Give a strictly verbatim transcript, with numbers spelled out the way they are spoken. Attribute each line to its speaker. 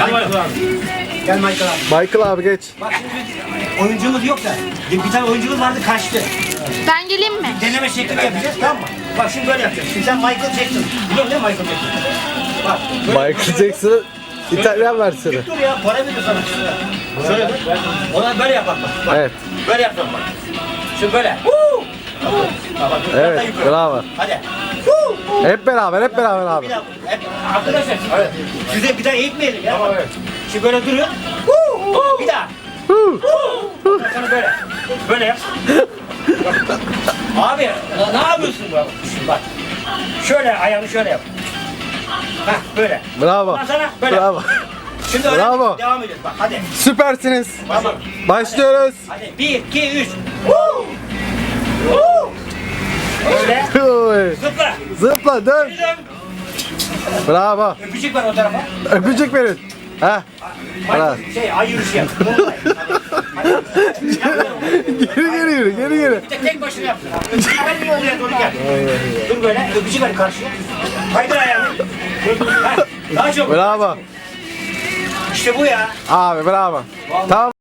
Speaker 1: Hadi Michael abi. Gel Michael abi.
Speaker 2: Michael abi geç.
Speaker 1: Bak şimdi oyuncumuz yok da. Bir tane oyuncumuz vardı kaçtı.
Speaker 3: Ben geleyim mi?
Speaker 1: Deneme şeklini yapacağız, tamam mı? Bak şimdi böyle yapacağız. Şimdi sen Michael Jackson. Biliyorsun değil mi Michael Jackson? Bak. böyle-
Speaker 2: Michael Jackson'ın İtalyan versiyonu.
Speaker 1: Bir dur ya, para veriyor sana. Şöyle dur. Ona böyle yap bak. bak.
Speaker 2: Evet.
Speaker 1: Böyle yapacağım bak. Şimdi böyle. Woo! Bak, bak, biraz
Speaker 2: Evet,
Speaker 1: daha yukarı.
Speaker 2: bravo.
Speaker 1: Hadi. Woo!
Speaker 2: Hep beraber, hep beraber abi.
Speaker 1: Bir daha. Hep, arkadaşlar, evet. Size bir daha eğitmeyelim ya. Tamam, evet. Şimdi böyle duruyor. Woo! Bir daha.
Speaker 2: Huu.
Speaker 1: Sana böyle. Böyle yap. Abi ya, ne yapıyorsun bu? Şimdi bak. Şöyle ayağını şöyle yap. Hah böyle.
Speaker 2: Bravo.
Speaker 1: Ondan sonra böyle.
Speaker 2: Bravo.
Speaker 1: Şimdi öyle
Speaker 2: Bravo.
Speaker 1: devam ediyoruz bak hadi.
Speaker 2: Süpersiniz.
Speaker 1: Tamam.
Speaker 2: Başlıyoruz.
Speaker 1: Hadi bir, iki, üç. Woo! Woo! Böyle.
Speaker 2: Oy.
Speaker 1: Zıpla.
Speaker 2: Zıpla dön.
Speaker 1: Bir dön.
Speaker 2: Bravo.
Speaker 1: Öpücük ver o tarafa.
Speaker 2: Öpücük verin. Ha. Bravo.
Speaker 1: Bak şey ay yürüyüşü yap. Hadi. Hadi.
Speaker 2: Geri geri yürü, geri geri.
Speaker 1: Bir de tek başına yapsın. Hemen bir oraya doğru gel. Dur böyle öpücük ver karşıya. Kaydır ayağını. Dur, dur. Ha, daha çok.
Speaker 2: Bravo.
Speaker 1: İşte bu ya.
Speaker 2: Abi bravo. Tamam.